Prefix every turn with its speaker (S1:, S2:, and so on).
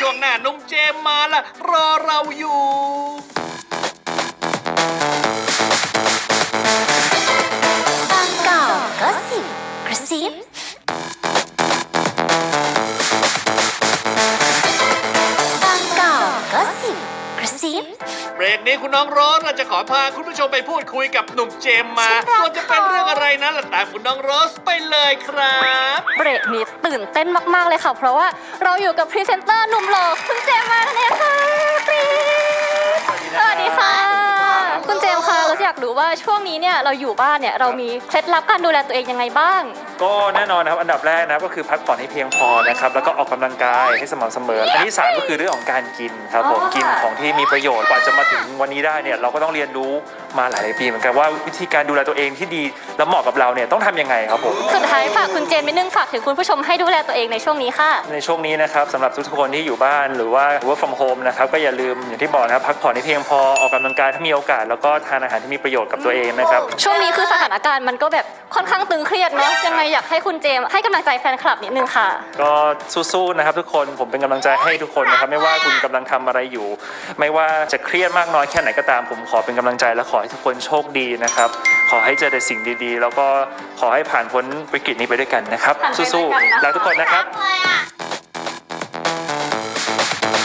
S1: ช่วงหน้าน้องเจมมาละรอเราอยู่
S2: บางกอกก็สิบกระซิบางกอกก็สิบกระซิบ
S1: เบรกนี้คุณน้องโรสเราจะขอพาคุณผู้ชมไปพูดคุยกับหนุ่มเจมมาส่วนจะเป็นเรื่องอะไรนั้นล่ะตามคุณน้องโรสไปเลยครับ
S3: เบรกนี้ตื่นเต้นมากๆเลยค่ะเพราะว่าเราอยู่กับพรีเซนเตอร์หนุ่มหล่อคุณเจมส์มานั่นเองค่ะกรี๊ดสวัสดีค่ะคุณเจมส์คะเราอยากรู้ว่าช่วงนี้เนี่ยเราอยู่บ้านเนี่ยเรามีเคล็ดลับการดูแลตัวเองยังไงบ้าง
S4: ก็แน่นอนนะครับอันดับแรกนะครับก็คือพักผ่อนให้เพียงพอนะครับแล้วก็ออกกำลังกายให้สม่ำเสมออันที่3ก็คือเรื่องของการกินครับผมกินของที่มีประโยชน์กว่าจะมาถึงวันนี้ได้เนี่ยเราก็ต้องเรียนรู้มาหลายปีเหมือนกันว่าวิธีการดูแลตัวเองที่ดีและเหมาะกับเราเนี่ยต้องทำยังไงครับผม
S3: สุดท้ายฝากคุณเจมส์นิดนึงฝากถึงคุณผู้ชมให้ดูแลตัวเองในช่วงนี้ค่ะ
S4: ในช่วงนี้นะครับสำหรับทุกๆคนที่อยู่บ้านหรือว่า work from home นะครับก็อย่าลืมอย่างที่บอกนะครับพักผ่อนให้เพียงพอออกกำลังกายถ้ามีโอกาสแล้วก็ทานอาหารที่มีประโยชน์กับตัวเองนะครับ
S3: ช่วงนี้คือสถานการณ์มันก็แบบค่อนข้างตึงเครียดเนาะยังไงอยากให้คุณเจมส์ให้กำลังใจแฟนคลับนิดนึงค่ะ
S4: ก็สู้ๆนะครับทุกคนผมเป็นกำลังใจให้ทุกคนนะครับไม่ว่าคุณกำลังทำอะไรอยู่ ไม่ว่าจะเครียดมากน้อยแค่ไหนก็ตามผมขอเป็นกำลังใจและขอให้ทุกคนโชคดีนะครับขอให้เจอแต่สิ่งดีๆ แล้วก็ขอให้ผ่านพ้นวิกฤตนี้ไปด้วยกันนะครับสู้ๆรักทุกคนนะครับ